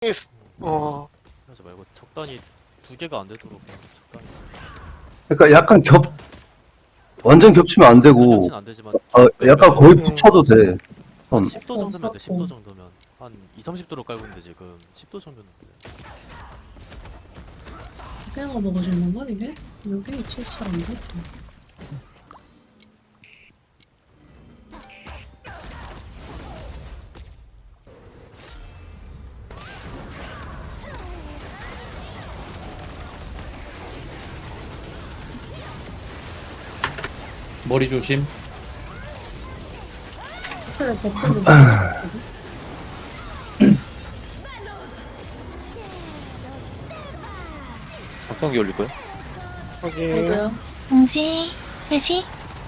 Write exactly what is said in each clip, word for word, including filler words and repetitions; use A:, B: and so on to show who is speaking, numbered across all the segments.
A: 어,
B: 하지 말고 적당히 두 개가 안 되도록 그냥 적당히.
C: 그러니까 약간 겹 완전 겹치면 안 되고
B: 겹치는 안 되지만
C: 어, 약간 거의
A: 음.
C: 붙여도 돼.
B: 한
C: 선.
B: 십 도 정도면 돼. 십 도 정도면 한 이, 삼십 도로 깔고 있는데 지금 십 도 정도면 돼.
D: 그냥 먹어주는 거 이게? 여기 위치 잘안 됐다.
E: 머리 조심.
D: 그래 버프를
E: 박성기 올릴 거야?
A: 확인.
D: 먹어요.
F: 공시, 회시,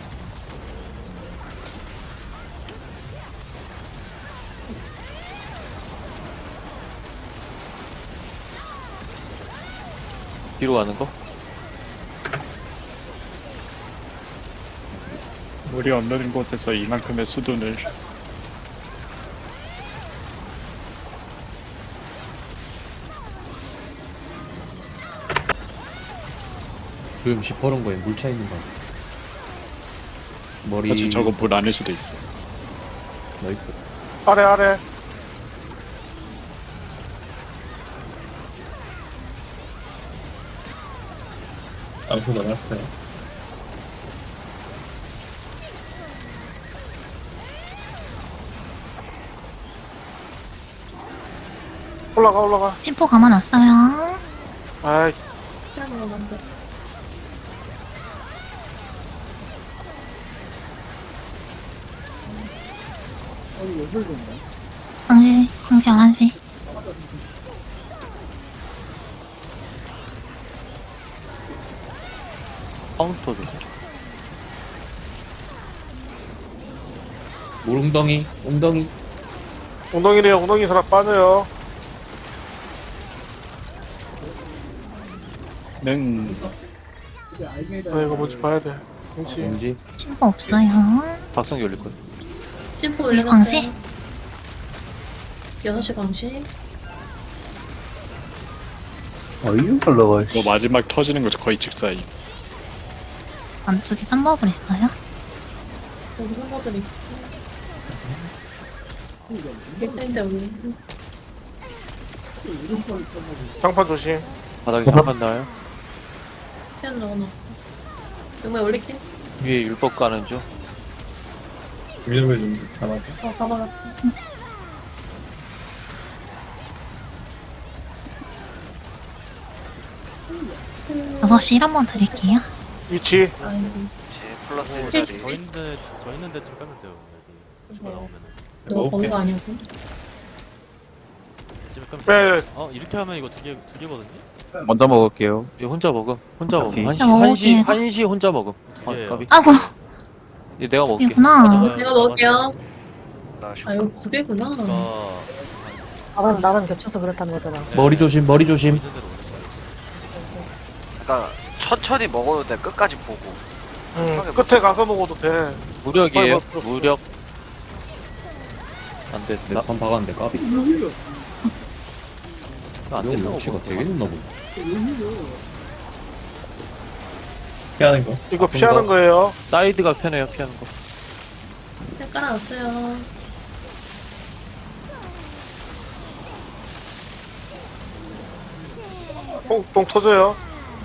E: 뒤로 가는 거?
G: 물이 없는 곳에서 이만큼의 수둔을
E: 주름 시퍼런 거에 물 차 있는 거. 머리.
G: 사실 저거 물 아닐 수도 있어.
E: 나이스.
A: 아래, 아래.
E: 암수 넣어놨어요.
A: 올라가, 올라가.
F: 심포 감아놨어요.
A: 아이,
D: 그냥 먹었어.
F: 광시, 광시 열한 시.
E: 카운터 조심. 물 웅덩이, 웅덩이.
A: 엉덩이래요. 엉덩이 사람 빠져요.
G: 는
A: 아, 이거 뭔지 봐야 돼. 그렇지.
E: 공지.
F: 심포 없어요.
E: 박성기 올릴 거야.
D: 심포
F: 광시?
D: 올려놨어요. 여섯 시 광시.
C: 아 이거 올라가.
G: 뭐 마지막 터지는 거 거의 직사이.
F: 안쪽에 땀버블 있어요.
D: 여기 선거들이 있어. 일단인데 우리
A: 장판 조심.
E: 바닥에 잠깐 나요.
D: 그냥 넣어놓고. 정말 올릴게.
E: 위에 율법 가는 중.
D: 어 가봐라.
F: 여섯 시 일 한번 드릴게요.
A: 위치.
D: 아이고.
B: 플러스 저 있는데 저 있는 데쯤 깔면 돼요. 여기 추가 나오면은
D: 너 거기가 아니었고.
B: 이쯤에 깔면
A: 빼.
B: 돼. 어 이렇게 하면 이거 두 개 두 개거든요.
E: 먼저 먹을게요. 얘 혼자 먹음. 혼자 먹음.
C: 오케이.
E: 한시,
F: 자, 먹을게요,
E: 한시,
F: 이거.
E: 한시 혼자 먹음.
B: 두
E: 아,
B: 개예요.
E: 까비.
F: 아이고,
E: 얘 내가 먹을게.
F: 이구나.
D: 내가 먹을게요.
B: 나
D: 아 이거 두 개구나.
B: 아,
H: 나랑 나랑 겹쳐서 그렇다는 거잖아.
E: 머리 조심, 머리 조심.
B: 있는 대로 올렸어요.
I: 그러니까 천천히 먹어도 돼. 끝까지 보고.
A: 응, 끝에 가서 먹어도 돼.
E: 무력이에요.
A: 빨리 먹-
E: 무력. 안 돼. 나 반 박았는데 까비. 안 된다고. 치가 되게 높나 보다. 피하는 거.
A: 이거
E: 좀
A: 피하는
E: 더.
A: 거예요.
E: 사이드가 편해요. 피하는 거.
D: 그냥 깔아놨어요.
A: 뽕, 뽕 터져요.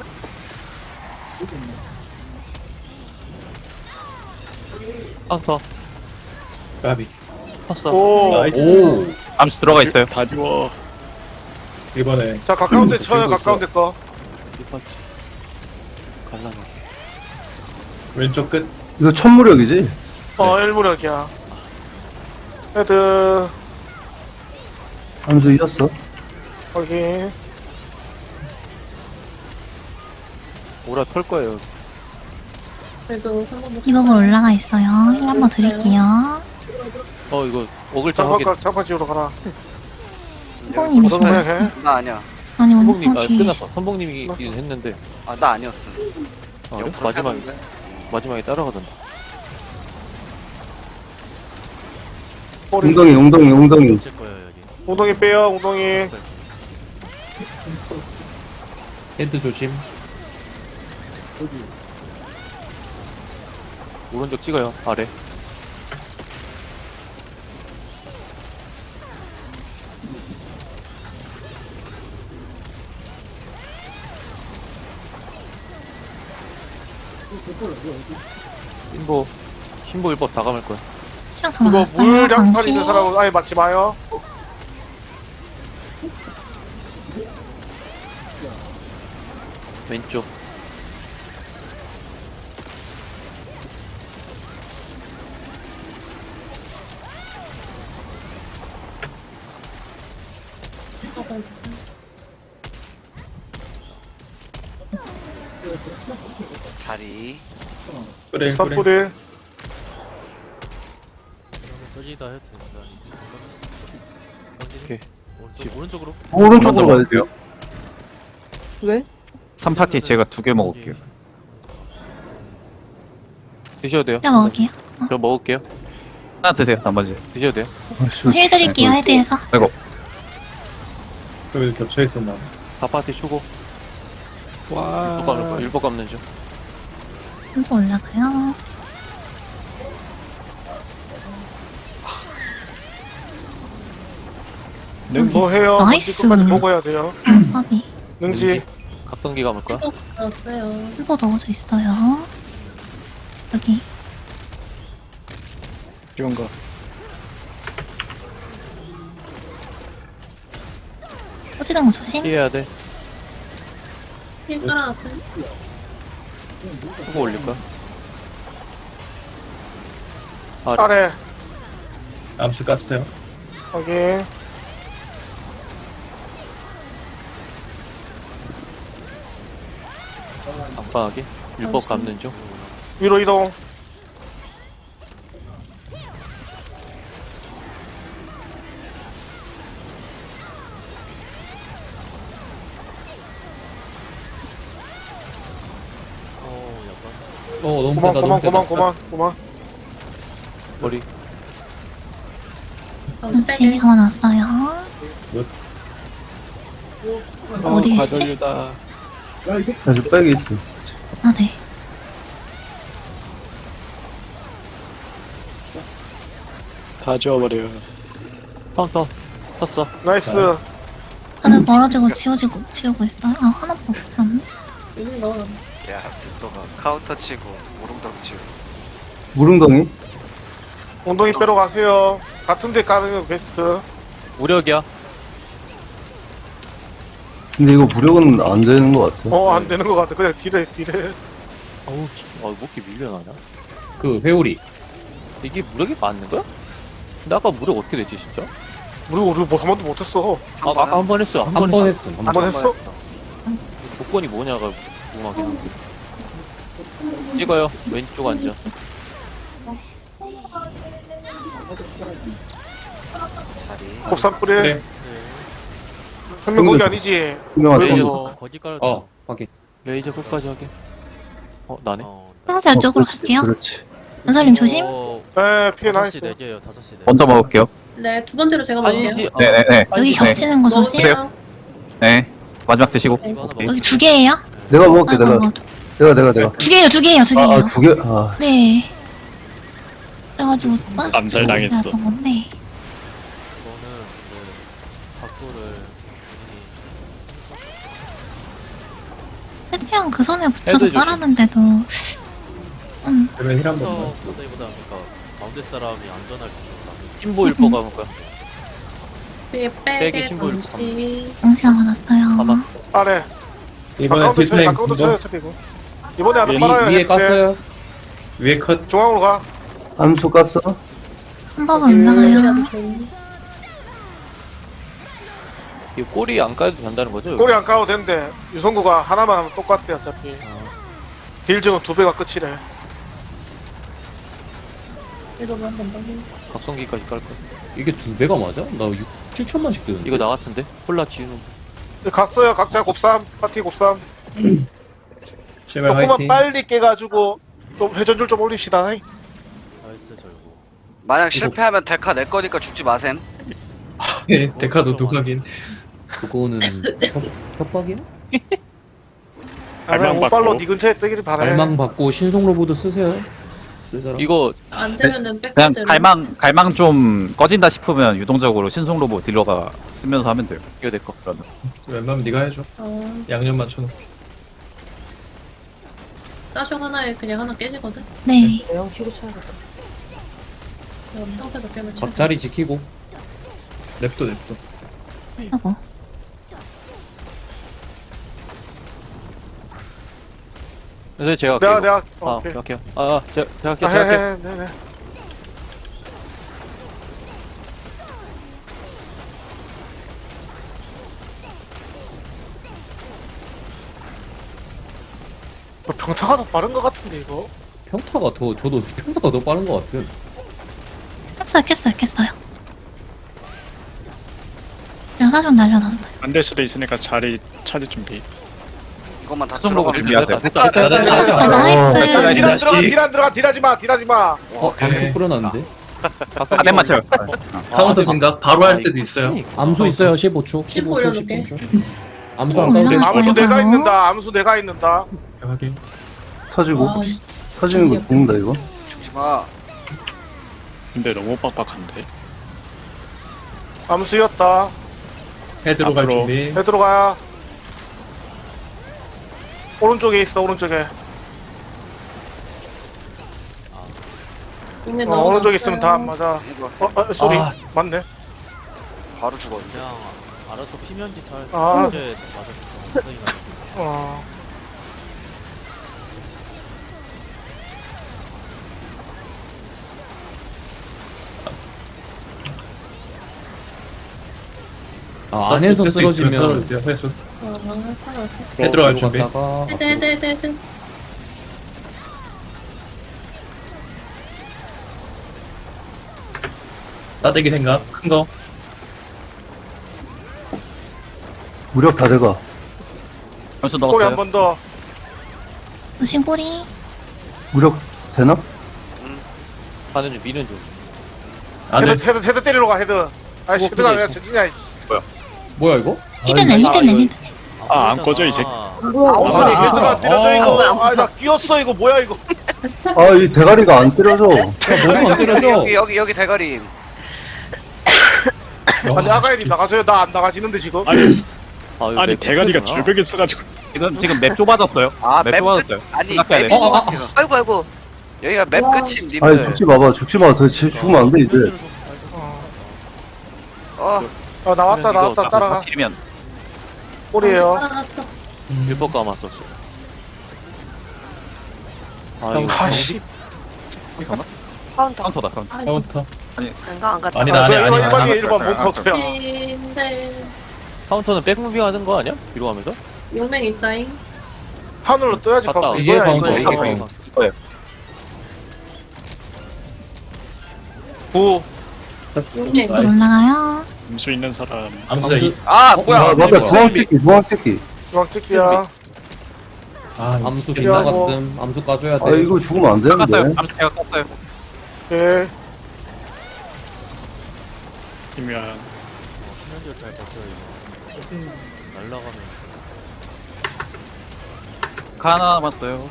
E: 카운터. 까비. 컸어.
A: 오.
E: 오. 암수 들어가 있어요.
G: 다 지워.
E: 이번에
A: 자, 가까운 데
E: 음,
A: 쳐요.
E: 들고
A: 가까운 데 거.
E: 리파트. 갈라놓게. 왼쪽 끝.
C: 이거 천무력이지?
A: 어, 일무력이야. 헤드.
C: 함수 이었어.
A: 확인.
E: 오라 털 거예요.
D: 그래도 한번
F: 이 부분 올라가 있어요. 힐 한번 드릴게요.
E: 어 이거 오글자 확인.
A: 장판, 장판 지우러 가라.
F: 선봉님이
A: 저도 그냥
F: 신나.
A: 해.
I: 나 아니야.
F: 아니, 오늘
E: 선봉님 아
F: 어, 뒤에
E: 끝났어. 선봉님이 이긴 했는데
I: 아, 나 아니었어.
E: 아, 그래?
I: 옆으로
E: 마지막에
I: 타는데?
E: 마지막에 따라가던데.
A: 꼬리.
C: 웅덩이 웅덩이 웅덩이.
B: 칠 거예요 여기.
A: 웅덩이 빼요. 웅덩이.
B: 네.
J: 헤드 조심.
E: 오른쪽 찍어요. 아래. 신보 신보 일법 다 감을 거야.
F: 시간 다
A: 이거
F: 남았어요.
A: 물장판
F: 방시.
A: 있는 사람은 아예 맞지 마요.
E: 왼쪽.
I: 자리.
J: 그래 그래.
A: 삿뿌릴.
B: 저기다 해도 된다.
E: 오케이.
B: 오른쪽, 오른쪽으로.
C: 오른쪽으로 가야 돼요.
H: 왜?
K: 삼 파티 제가 두 개 먹을게요.
E: 드셔도 돼요.
F: 제가 먹을게요.
E: 저 먹을게요.
K: 하나 드세요. 나머지.
E: 드셔도 돼요.
C: 아이씨,
F: 힐 드릴게요. 헤드에서.
K: 아이고.
J: 여기 겹쳐 있었나?
E: 다 파티 추고.
J: 와.
E: 일법 감을 거야. 일법 감는 중.
F: 또 올라가요.
A: 뭐 해요?
F: 나이스.
A: 끝까지 먹어야 돼요.
F: 밥이.
A: 능지.
E: 각성기 감을 거야.
D: 알았어요.
F: 힐보 넣어져 있어요. 여기.
G: 이런 거.
F: 꼬지는 거 조심.
E: 피해야 돼.
D: 힐 깔아놨어요.
E: 추고 올릴 거야. 아래.
A: 아래.
J: 암수 깠어요.
A: 확인.
E: 안방하게. 일법 감는 중.
A: 위로 이동.
B: 어, 약간.
J: 어 너무
A: 고만
J: 세다
A: 고만
J: 너무 세다.
A: 고만 고만 고만.
E: 머리.
F: 잠시 감아놨어요. 어디 계시지?
J: 과전류다.
C: 아주 빨개 있어.
F: 아, 네.
G: 다 지워버려요.
E: 카운터. 쳤어.
A: 나이스.
F: 다들 멀어지고 지워지고 지우고 있어요. 아, 하나밖에 없지 않네.
D: 여기 넣어놨어.
I: 야, 빅도가 카운터 치고 무릉덩 치고.
C: 무릉덩이?
A: 엉덩이 빼러 가세요. 같은 데 까는 게 베스트.
E: 무력이야.
C: 근데 이거 무력은 안 되는 것 같아.
A: 어, 안 되는 것 같아. 그냥 딜해, 딜해.
E: 어우, 아, 목이 밀려나냐?
J: 그 회오리.
E: 이게 무력이 맞는 거야? 근데 아까 무력 어떻게 됐지, 진짜?
A: 우리, 우리 뭐 한 번도 못했어.
E: 아, 아까 한 번 했어. 한 번
J: 한 번
E: 했어.
J: 했음.
A: 한 번 했어?
E: 조건이 뭐냐가 궁금하긴 한데. 찍어요. 왼쪽 앉아.
I: 자리.
A: 곱삼 뿌리.
J: 그래.
A: 현명 거기 아니지.
C: 유명한
A: 왜
C: 거.
A: 이거?
B: 거기 깔아.
J: 어 확인.
E: 레이저 끝까지 하게. 어, 나네.
B: 어,
F: 하나씩 이쪽으로 갈게요.
C: 그렇지.
F: 은설님 조심.
B: 어,
A: 에, 피해
B: 다섯 시
A: 나이스.
B: 네 개예요. 다섯 시 네.
K: 먼저 먹을게요.
D: 네, 두 번째로 제가 먹을게요.
E: 한시, 어,
K: 네네네.
F: 여기
K: 네.
F: 겹치는 거 조심.
K: 드세요. 네. 마지막 드시고.
B: 이거 하나
K: 오케이.
F: 여기 두 개예요.
C: 내가 먹을게,
F: 아이고,
C: 내가.
F: 아이고, 두-
C: 내가, 내가, 내가.
F: 두 개예요, 두 개예요, 두 개예요.
C: 아, 아, 두 개? 아,
F: 네. 그래가지고
G: 암살당했어.
F: 건데.
B: 이거는 네, 각도를
F: 최대한 그 선에 붙여서
E: 헤드 조심.
F: 빨았는데도. 음,
J: 그러면 힐한
B: 해서
J: 번만.
B: 보다기보다 그러니까 가운데 사람이 안전할 정도로
E: 신보 일법 감을 거야.
D: 뒤에
E: 빼기
D: 빼게
E: 신고 이렇게
D: 감지.
F: 응시가 많았어요.
E: 가만.
A: 아래.
J: 이번에
A: 가까운데 쳐요,
J: 딜타임
A: 가까운데 쳐요,
J: 거.
A: 어차피 이거. 이번에 하나
J: 위,
A: 빨아야
J: 위에
A: 돼.
J: 깠어요. 위에 컷.
A: 중앙으로 가.
C: 암수 깠어?
F: 한 번 올라가요.
E: 이 꼬리 안 까도 된다는 거죠? 여기?
A: 꼬리 안 까도 되는데, 유성구가 하나만 하면 똑같대, 어차피. 딜 지금 두 배가 끝이래.
D: 이거만 한번 더.
E: 각성기까지 깔 거야.
J: 이게 두 배가 맞아? 나 육, 칠천만씩 뜨는데.
E: 이거 나 같은데? 콜라 지우는 거.
A: 갔어요, 각자 곱삼. 파티 곱삼.
J: 제발
A: 조금만
J: 화이팅.
A: 빨리 깨가지고, 좀 회전율 좀 올립시다.
B: 나이스 절고.
I: 만약 실패하면 데카 내 거니까 죽지 마셈.
J: 예, 데카도 두 각인. 그거는 협, 협박이야?
A: 아, 그냥
G: 갈망
A: 오빨로
G: 받고.
A: 네 근처에 뜨기를 바래.
J: 갈망 받고 신속 로보드 쓰세요. 쓸 사람.
E: 이거
D: 안 되면은
K: 그냥
D: 백대로.
K: 갈망 갈망 좀 꺼진다 싶으면 유동적으로 신속 로봇 딜러가 쓰면서 하면 돼요.
E: 이거 내 거.
K: 그러면
J: 웬만하면 네가 해줘.
D: 어,
J: 양념 맞춰놓고.
D: 싸쇼 하나에 그냥 하나 깨지거든.
F: 네.
H: 대형 키고 쳐야겠다.
D: 그럼 상태도 깨면 쳐.
J: 곽자리 지키고. 냅둬 냅둬.
F: 하고.
E: 그래서 제가
A: 내가
E: 할게요.
A: 내가
E: 아,
A: 어,
E: 오케이,
A: 오케이.
E: 오케이. 아, 아, 제가, 제가 할게요,
A: 아,
E: 제가
A: 해,
E: 할게요.
A: 해, 네, 네. 뭐 병타가 더 빠른 것 같은데 이거.
J: 평타가 더 저도 평타가 더 빠른 것 같은.
F: 깼어요, 깼어요, 깼어요. 제가 사전 날려놨어요.
G: 안 될 수도 있으니까 자리 찾을 준비.
I: 이것만 다
K: 신속 로봇
I: 들어가면
K: 준비하세요.
E: 됐다, 됐다, 됐다, 됐다.
J: 됐다.
F: 아, 나이스.
J: 어,
A: 딜 안 들어가, 딜 안 들어가, 딜하지 마, 딜하지 마.
J: 어, 암수 뿌려놨는데?
K: 아맨 맞춰요.
J: 카운터 생각 바로 할 때도 있어요.
E: 그러니까.
J: 암수 있어요. 십오 초.
D: 십
J: 십오 초,
D: 올려줄게.
J: 십오 초. 암수 안
F: 어,
J: 까도 돼.
F: 올라가.
A: 암수
F: 뭐야,
A: 내가
F: 바로?
A: 있는다. 암수 내가 있는다.
J: 확인.
C: 터지고
D: 아,
C: 터지는 거 죽는다 이거.
I: 죽지 마.
G: 근데 너무 빡빡한데.
A: 암수였다.
J: 헤드로 갈
G: 앞으로.
J: 준비.
A: 해 들어가. 오른쪽에 있어, 오른쪽에.
D: 이미
A: 어, 오른쪽에
D: 넣어놨어요.
A: 있으면 다 안 맞아.
I: 이거
A: 어, 어, 쏘리.
J: 아.
A: 맞네.
I: 바로 죽었는데.
B: 그냥 알아서 피면지 잘
A: 아.
B: 이제 맞아. 생각이 나네.
A: 어.
J: 아, 안에서 쓰러지면 회수.
D: 어, 어,
J: 헤드로 갈 준비.
D: 헤드 헤드 헤드 헤드.
J: 따대기 생각. 큰 거.
C: 무력 다 돼가.
K: 변수
A: 꼬리 한
K: 넣었어요.
A: 번 더.
F: 조심 꼬리.
C: 무력 되나?
E: 가는 중, 미는 중.
J: 안에
A: 헤드, 헤드, 헤드 때리러 가, 헤드. 아이씨,
E: 어,
A: 헤드가
E: 근데
A: 왜 전진이야, 이씨.
J: 뭐야 이거?
F: 히든랜, 히든랜, 히든.
G: 아, 안 꺼져, 이 새끼.
H: 뭐야?
A: 아, 아니,
J: 아,
A: 헤드가 안 때려져,
J: 아,
A: 이거. 아, 나 끼었어, 이거. 뭐야, 이거.
C: 아 이 대가리가 안 때려져.
J: 너무 안 때려져.
I: 여기 여기 여기 대가리.
A: 아니, 아가야님 나가줘요. 나 안 나가지는데, 지금.
G: 아니,
E: 아, 이거
G: 아니
E: 내
G: 대가리가
E: 거구나.
G: 절벽에 쓰가지고.
K: 지금 지금 맵 좁아졌어요.
I: 아,
K: 맵
I: 맵
K: 좁아졌어요.
I: 아니
K: 생각해야
I: 맵.
K: 돼.
J: 어, 아,
I: 아이고 아이고. 여기가 맵 끝임
C: 아니
I: 님들.
C: 죽지 마봐 죽지 마. 더 지- 죽으면 안 돼 이제.
I: 어.
A: 어, 나왔다,
E: 이거
A: 나왔다.
E: 딱
A: 따라가.
K: 딜이면
A: 꼬리에요.
D: 살아났어.
E: 일법 감았었어. 아, 이거.
A: 아씨.
H: 카운터.
K: 카운터다. 카운터.
D: 아,
J: 카운터.
H: 안가 안 갔다.
J: 아니다, 아니, 아니, 아니,
A: 일 번이
J: 아니.
A: 일 번 몸카운트야.
D: 인데
E: 카운터는 백무빙 하는 거 아니야? 뒤로 가면서?
D: 용맹 있다잉.
A: 하늘로 떠야지,
E: 갔다.
A: 카운트.
J: 이게
A: 이거야,
J: 카운터,
A: 이거.
J: 이게
A: 이거.
J: 카운터.
K: 이거예요.
A: 구.
D: 용맹.
F: 올라가요.
G: 음수 있는 사람.
J: 암수 이.
I: 아
C: 아
I: 뭐야?
C: 맞다 중앙 찍기 중앙 찍기.
A: 중앙 찍기야.
J: 아, 암수
A: 이거
J: 빗나갔음. 암수 까줘야 돼.
C: 아 이거 죽으면 안
K: 깠어요.
C: 되는데.
K: 암수 제가 깠어요.
A: 오케이.
G: 이면
B: 피면지를 잘 버텨요. 날라가면.
K: 하나 남았어요.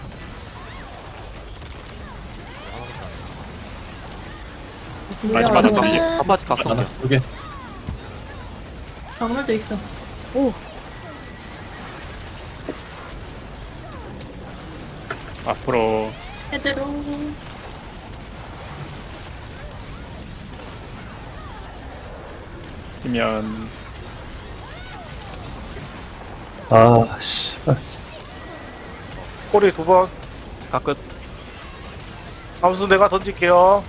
G: 많이 맞았다. 이게.
E: 아파트 각성.
J: 하나, 두 개.
D: 박물도 있어.
G: 앞으로
D: 헤드로.
G: 이면
C: 아 씨.
A: 꼬리 두 번.
K: 가끝.
A: 암수 내가 던질게요.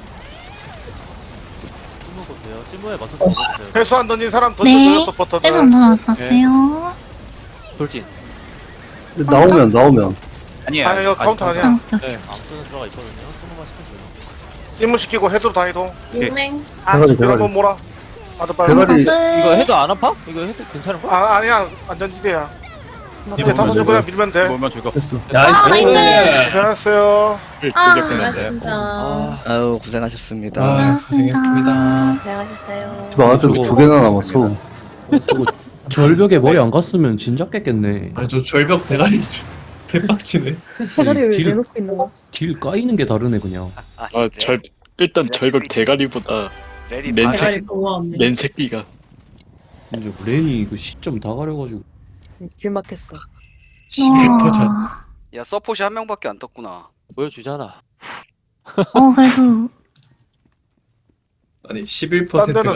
B: 찜무고 돼요. 찜무에 맞춰서 먹어주세요.
A: 회수 안 던진 사람
F: 네.
A: 던져줘요, 서포터들.
F: 해서 넣어놨어요.
E: 돌진.
C: 나오면 나오면.
K: 아니에요.
A: 아니, 이거 카운트
K: 아직
A: 아니야.
F: 아, 오케이.
E: 네.
B: 암수는 들어가 있거든요. 스무만 시켜줘요.
A: 찜무시키고 헤드로 다 이동.
D: 용맹.
C: 대가리
A: 이거 한번
C: 대가리.
A: 몰아. 아들 빨리.
C: 대가리.
E: 이거 헤드 안 아파? 이거 헤드 괜찮은 거야?
A: 아, 아니야. 안전지대야. 이제
C: 몰면
A: 다섯 줄
C: 돼,
A: 그냥 밀면 돼.
K: 몰면 죽어.
C: 됐어.
F: 아, 나이스.
A: 고생하셨어요.
G: 두개
F: 아,
D: 아,
G: 끝났어요.
D: 진짜.
I: 아유 고생하셨습니다.
J: 아, 고생했습니다.
H: 고생하셨어요.
C: 지금 아들 두 개나 남았어.
J: 수고 절벽에 머리 안 갔으면 진작 깼겠네.
L: 아저 절벽 대가리 개빡치네.
J: 대가리 왜 내놓고 있는 거야? 딜 까이는 게 다르네 그냥.
I: 아,
G: 아, 절, 일단 절벽 대가리보다
I: 레디
G: 맨
I: 다
G: 새-
D: 대가리 고마웠네.
G: 맨 새끼가.
J: 이제 렌이 그 시점 다 가려가지고.
D: 길 막혔어.
L: 십일 퍼센트.
F: 와.
I: 야 서폿이 한 명밖에 안 떴구나.
E: 보여주잖아.
F: 어, 그래도
L: 아니 십일
A: 딴 데는
L: 퍼센트가